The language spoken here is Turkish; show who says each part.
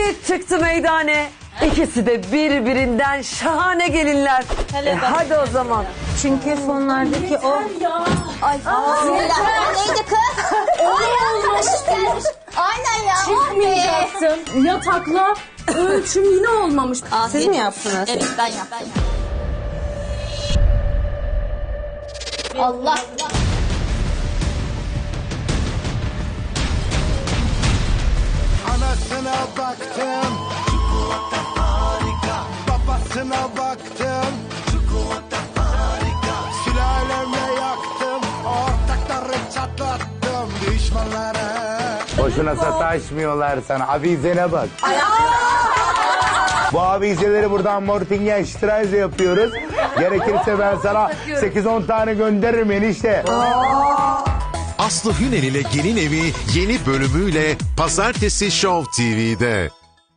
Speaker 1: Çift çıktı meydane. İkisi de birbirinden şahane gelinler. Hadi o zaman.
Speaker 2: Çünkü fonlardaki o...
Speaker 3: Ay bismillah. Neydi kız? Arkadaşım gelmiş. Aynen ya.
Speaker 2: Çıkmayacaktım. Yatakla ölçüm yine olmamış. Siz mi yaptınız?
Speaker 3: Evet ben yaptım. Allah.
Speaker 4: Anasına baktım, çikolata harika. Babasına baktım, çikolata harika. Sülalemle yaktım, ortakları çatlattım düşmanlara.
Speaker 5: Boşuna sataşmıyorlar sana. Avizene bak. Bu avizeleri buradan Mortingen Streise yapıyoruz. Gerekirse ben sana 8-10 tane gönderirim enişte.
Speaker 6: Aslı Hünel ile Gelin Evi yeni bölümüyle Pazartesi Show TV'de.